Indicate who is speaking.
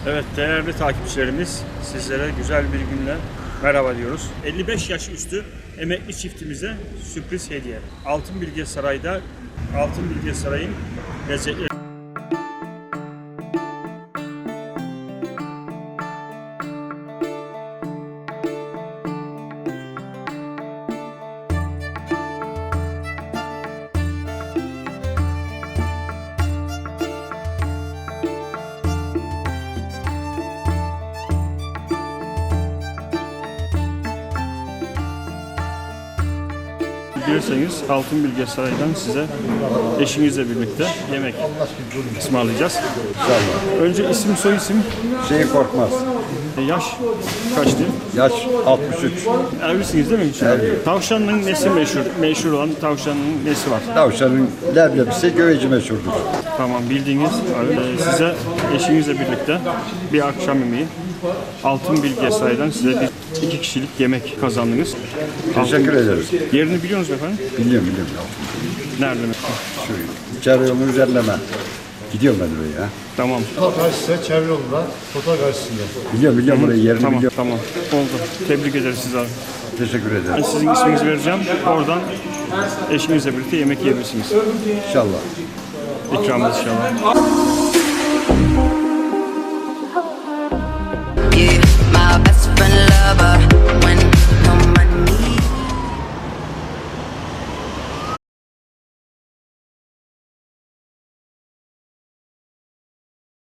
Speaker 1: Evet değerli takipçilerimiz, sizlere güzel bir günle merhaba diyoruz. 55 yaş üstü emekli çiftimize sürpriz hediye. Altın Bilge Saray'da Altın Bilge Saray'ın lezzetleri. Bilirseniz Altın Bilge Saray'dan size eşinizle birlikte yemek ısmarlayacağız.
Speaker 2: İnşallah.
Speaker 1: Önce isim soy isim,
Speaker 2: Şeyi korkmaz.
Speaker 1: yaş kaçtı?
Speaker 2: Yaş 63.
Speaker 1: Evlisiniz değil mi?
Speaker 2: Evliyim.
Speaker 1: Tavşanın nesi meşhur? Meşhur olan tavşanın nesi var?
Speaker 2: Tavşanın leblebisi göveci meşhurdur.
Speaker 1: Tamam bildiğiniz size eşinizle birlikte bir akşam yemeği Altın Bilge Saray'dan size bir 2 kişilik yemek kazandınız.
Speaker 2: Teşekkür ederiz.
Speaker 1: Yerini biliyor musunuz efendim?
Speaker 2: Biliyorum.
Speaker 1: Nerede?
Speaker 2: Şu içeri yolun üzerine ben. Gidiyorum ben oraya.
Speaker 1: Tamam.
Speaker 3: Karşısında çevre yolunda, fotoğraf karşısında.
Speaker 2: Biliyorum burayı, yerini
Speaker 1: Tamam,
Speaker 2: biliyorum.
Speaker 1: tamam. Oldu. Tebrik ederiz sizi abi.
Speaker 2: Teşekkür
Speaker 1: Ben
Speaker 2: ederim.
Speaker 1: sizin isminizi vereceğim. Oradan eşinizle birlikte yemek yiyebilirsiniz.
Speaker 2: İnşallah.
Speaker 1: İkramımız inşallah.